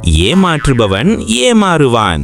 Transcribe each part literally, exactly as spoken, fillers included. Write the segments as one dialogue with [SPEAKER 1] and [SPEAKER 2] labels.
[SPEAKER 1] ஏமாற்றுபவன் ஏமாறுவான்.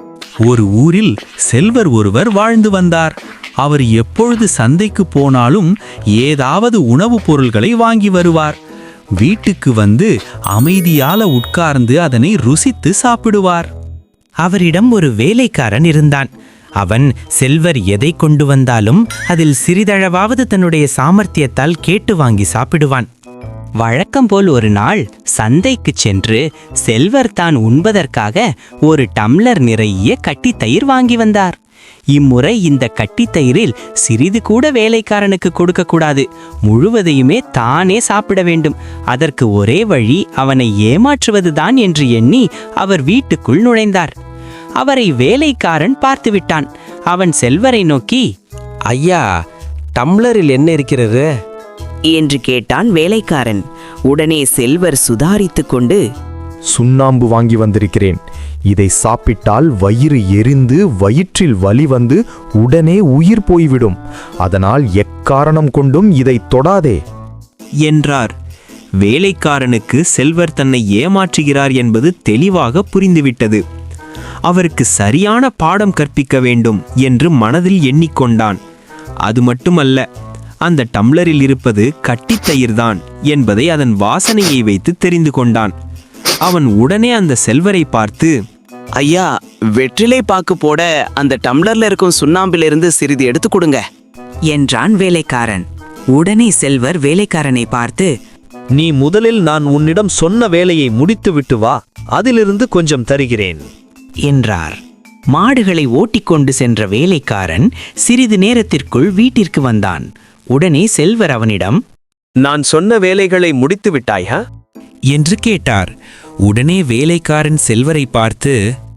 [SPEAKER 2] ஒரு ஊரில் செல்வர் ஒருவர் வாழ்ந்து வந்தார். அவர் எப்பொழுது சந்தைக்கு போனாலும் ஏதாவது உணவுப் பொருள்களை வாங்கி வருவார். வீட்டுக்கு வந்து அமைதியால உட்கார்ந்து அதனை ருசித்து சாப்பிடுவார்.
[SPEAKER 3] அவரிடம் ஒரு வேலைக்காரன் இருந்தான். அவன் செல்வர் எதை கொண்டு வந்தாலும் அதில் சிறிதளவாவது தன்னுடைய சாமர்த்தியத்தால் கேட்டு வாங்கி சாப்பிடுவான். வழக்கம் போல் ஒரு நாள் சந்தைக்கு சென்று செல்வர் தான் உண்பதற்காக ஒரு டம்ளர் நிறைய கட்டித்தயிர் வாங்கி வந்தார். இம்முறை இந்த கட்டித்தயிரில் சிறிது கூட வேலைக்காரனுக்கு கொடுக்கக்கூடாது, முழுவதையுமே தானே சாப்பிட வேண்டும். அதற்கு ஒரே வழி அவனை ஏமாற்றுவதுதான் என்று எண்ணி அவர் வீட்டுக்குள் நுழைந்தார். அவரை வேலைக்காரன் பார்த்துவிட்டான். அவன் செல்வரை நோக்கி,
[SPEAKER 4] ஐயா, டம்ளரில் என்ன இருக்கிறது
[SPEAKER 5] என்று கேட்டான் வேலைக்காரன். உடனே செல்வர் சுதாரித்து கொண்டு,
[SPEAKER 6] சுண்ணாம்பு வாங்கி வந்திருக்கிறேன். இதை சாப்பிட்டால் வயிறு எரிந்து வயிற்றில் வலி வந்து உடனே உயிர் போய்விடும். அதனால் எக்காரணம் கொண்டும் இதை தொடாதே
[SPEAKER 1] என்றார். வேலைக்காரனுக்கு செல்வர் தன்னை ஏமாற்றுகிறார் என்பது தெளிவாக புரிந்துவிட்டது. அவருக்கு சரியான பாடம் கற்பிக்க வேண்டும் என்று மனதில் எண்ணிக்கொண்டான். அது மட்டுமல்ல, அந்த டம்ளரில் இருப்பது கட்டித்தயிர்தான் என்பதை அதன் வாசனையை வைத்து தெரிந்து கொண்டான். அவன் உடனே அந்த செல்வரை பார்த்து,
[SPEAKER 7] ஐயா, வெற்றிலை பாக்கு போட அந்த டம்ளர்ல இருக்கும் சுண்ணாம்பிலிருந்து சிறிது எடுத்து கொடுங்க
[SPEAKER 5] என்றான் வேலைக்காரன். உடனே செல்வர் வேலைக்காரனை பார்த்து,
[SPEAKER 4] நீ முதலில் நான் உன்னிடம் சொன்ன வேலையை முடித்துவிட்டு வா, அதிலிருந்து கொஞ்சம் தருகிறேன்
[SPEAKER 3] என்றார். மாடுகளை ஓட்டிக்கொண்டு சென்ற வேலைக்காரன் சிறிது நேரத்திற்குள் வீட்டிற்கு வந்தான். உடனே செல்வர் அவனிடம்,
[SPEAKER 4] நான் சொன்ன வேலைகளை முடித்து விட்டாயா
[SPEAKER 1] என்று கேட்டார். உடனே வேலைக்காரன் செல்வரை பார்த்து,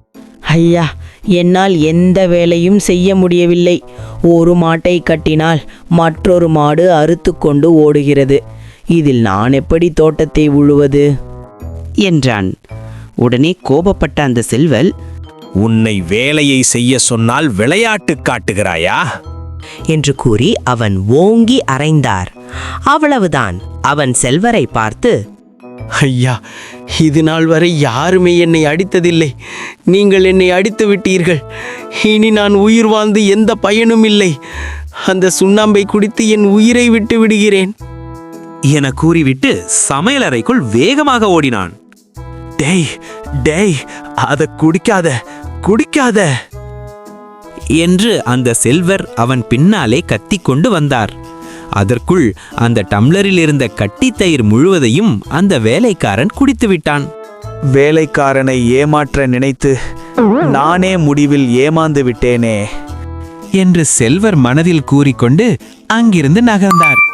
[SPEAKER 8] ஐயா, என்னால் எந்த வேலையும் செய்ய முடியவில்லை. ஒரு மாட்டை கட்டினால் மற்றொரு மாடு அறுத்து கொண்டு ஓடுகிறது. இதில் நான் எப்படி தோட்டத்தை உழுவது
[SPEAKER 5] என்றான். உடனே கோபப்பட்ட அந்த செல்வல்,
[SPEAKER 4] உன்னை வேலையை செய்ய சொன்னால் விளையாட்டு காட்டுகிறாயா
[SPEAKER 8] என்று கூறி அவன் ஓங்கி அறைந்தார். அவ்வளவுதான். அவன் செல்வரை பார்த்து,
[SPEAKER 7] ஐயா, இது நாள் வரை யாருமே என்னை அடித்ததில்லை. நீங்கள் என்னை அடித்து விட்டீர்கள். இனி நான் உயிர் வாழ்ந்து எந்த பயனும் இல்லை. அந்த சுண்ணாம்பை குடித்து என் உயிரை விட்டு விடுகிறேன்
[SPEAKER 1] என கூறிவிட்டு சமையலறைக்குள் வேகமாக ஓடினான்.
[SPEAKER 4] டேய் டேய் அத குடிக்காத குடிக்காத
[SPEAKER 1] என்று அந்த செல்வர் அவன் பின்னாலே கத்திக்கொண்டு வந்தார். அதற்குள் அந்த டம்ளரில் இருந்த கட்டித்தயிர் முழுவதையும் அந்த வேலைக்காரன் குடித்து விட்டான்.
[SPEAKER 6] வேலைக்காரனை ஏமாற்ற நினைத்து நானே முடிவில் ஏமாந்து விட்டேனே
[SPEAKER 1] என்று செல்வர் மனதில் கூறிக்கொண்டு அங்கிருந்து நகர்ந்தார்.